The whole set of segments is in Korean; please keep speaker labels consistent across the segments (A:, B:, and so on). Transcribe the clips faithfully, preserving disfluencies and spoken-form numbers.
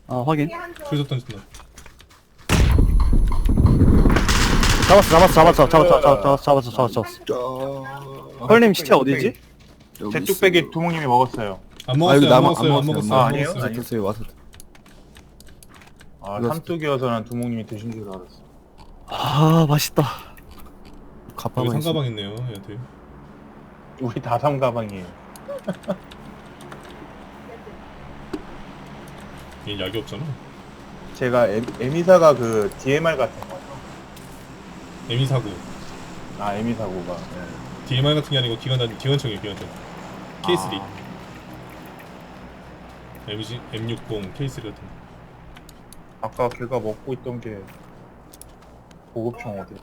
A: 아 확인.
B: 줄서 던진다.
A: 잡았어 잡았어 잡았어 잡았어 잡았어 잡았어 잡았어 잡았어. 헐님 시체 어디지?
C: 제 뚝배기 두목님이 먹었어요.
B: 안
D: 아
B: 먹었어요.
D: 여기
B: 안
D: 남
B: 먹었어요. 안
D: 안
B: 먹었어요.
C: 아,
B: 안
C: 아니에요?
B: 먹었어요.
C: 아니요.
D: 드세요 와서.
C: 아,
D: 이거
C: 삼뚝이어서 난 두목님이 드신 줄 알았어.
A: 아 맛있다.
B: 여기
D: 가방에 있어.
B: 상가방 있네요. 얘한테.
C: 우리 다 삼가방이에요.
B: 얘 약이 없잖아.
C: 제가 에, 에미사가 그 디엠알 같은 거죠.
B: 에미 사구.
C: 아, 에미사고가. 네.
B: 디엠알 같은 게 아니고 기관단 기관총이에요. 기관총. 케이 쓰리.
C: 아,
B: 엠지 엠 육십 케이 쓰리 같은 거.
C: 아까 걔가 먹고 있던 게 보급총 어디?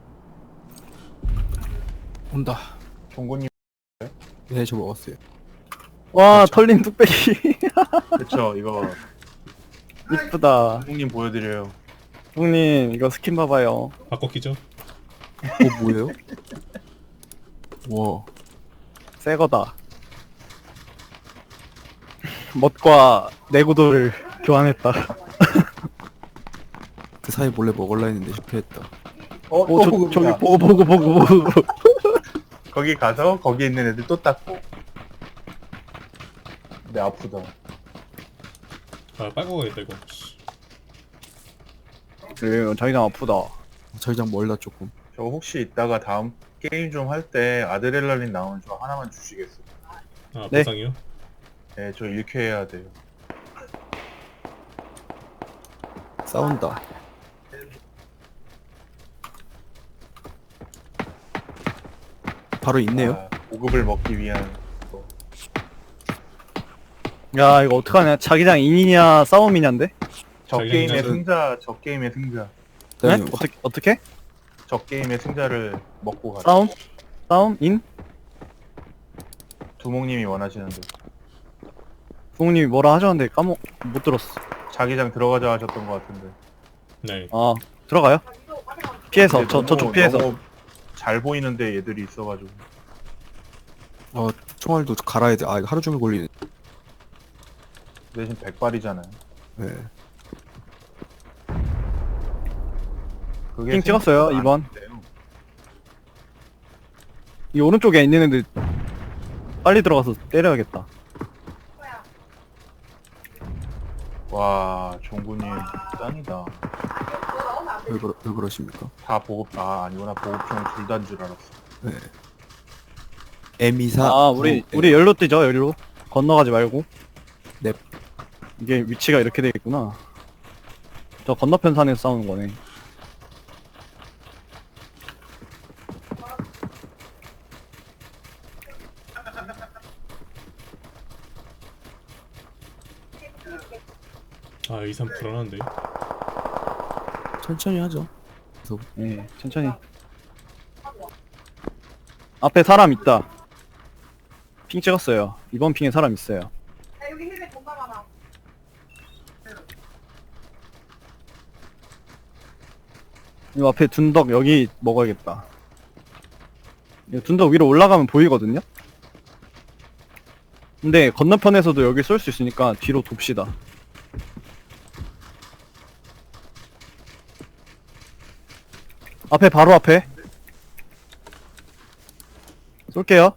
D: 온다.
C: 종군님.
D: 네, 저 먹었어요.
A: 와 털린 뚝배기.
C: 그쵸, 이거
A: 이쁘다.
C: 두목님 보여드려요.
A: 형님 이거 스킨 봐봐요.
B: 바꿔 키죠?
D: 어 뭐예요? 와.
A: 새거다. 멋과 내구도를 교환했다.
D: 그 사이 몰래 먹을라 했는데 실패했다.
C: 어, 또
A: 오, 저,
C: 보급이다.
A: 저기 보고 보고 보고 보고.
C: 거기 가서 거기 있는 애들 또 닦고. 근데 아프다.
B: 아 빨고 가겠다 이거.
A: 그래 자기장 아프다.
D: 자기장 멀다 조금.
C: 저 혹시 이따가 다음 게임 좀 할 때 아드레날린 나오는 저 하나만 주시겠어요?
B: 아
A: 네.
B: 보상이요?
C: 네, 저 일 쾌 해야 돼요.
D: 싸운다. 바로 있네요.
C: 아, 보급을 먹기 위한 거.
A: 야 이거 어떡하냐. 자기장 인이냐 싸움이냐인데?
C: 저
B: 자기장이라는-
C: 게임의 승자, 저 게임의 승자.
A: 네?
D: 그다음에
A: 어떻게 어떻게?
C: 저 게임의 승자를 먹고 가자.
A: 싸움? 싸움? 인?
C: 두목님이 원하시는데.
A: 부모님이 뭐라 하셨는데 까먹 못 들었어.
C: 자기장 들어가자 하셨던 것 같은데.
B: 네.
A: 아 들어가요? 피해서
C: 근데
A: 저
C: 너무-
A: 저쪽 피해서.
C: 너무 잘 보이는데 얘들이 있어가지고.
D: 어 총알도 갈아야 돼. 아 이거 하루 종일 걸리네.
C: 대신 백발이잖아요.
D: 네.
C: 그게
A: 핑 찍었어요,
C: 생각보다 안
A: 이번.
C: 돼요.
A: 이 오른쪽에 있는 애들 빨리 들어가서 때려야겠다.
C: 와, 종구님 짱이다.
D: 왜, 그러, 왜 그러십니까?
C: 다 보급, 아, 아니구나. 보급총 둘 다인 줄 알았어.
D: 네. 에미사.
A: 아 우리 우리 열로 뛰죠 열로. 건너가지 말고.
D: 넵.
A: 이게 위치가 이렇게 돼 있구나. 저 건너편 산에서 싸우는 거네.
B: 아 이삼 불안한데.
D: 천천히 하죠. 그래서
A: 예, 천천히. 앞에 사람 있다. 핑 찍었어요. 이번 핑에 사람 있어요. 이 앞에 둔덕 여기 먹어야겠다. 이 둔덕 위로 올라가면 보이거든요? 근데 건너편에서도 여기 쏠 수 있으니까 뒤로 돕시다. 앞에 바로 앞에 쏠게요.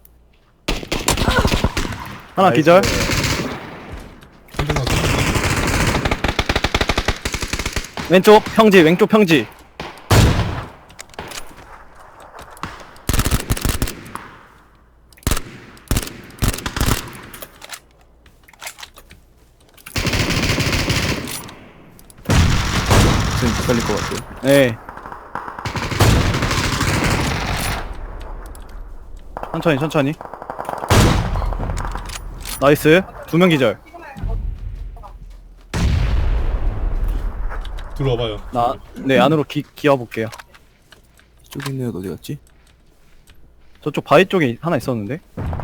A: 하나
C: 나이스.
A: 기절.
B: 한대 맞았어.
A: 왼쪽 평지 왼쪽 평지.
D: 지금 못 살릴 것 같아요.
A: 네. 천천히 천천히. 나이스. 두 명 기절.
B: 들어와봐요.
A: 나 네 안으로 기 기어 볼게요.
D: 이쪽에 있는 애가 어디 갔지?
A: 저쪽 바위 쪽에 하나 있었는데.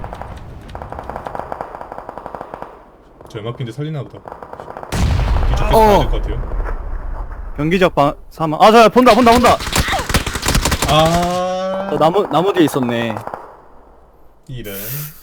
B: 저 연막핀데 살리나 보다. 뒤쪽
D: 어.
B: 가야 될 것 같아요.
A: 경기적 방 사망. 아, 저 본다 본다 본다.
B: 아
A: 저 나무 나무 뒤에 있었네.
B: 이런.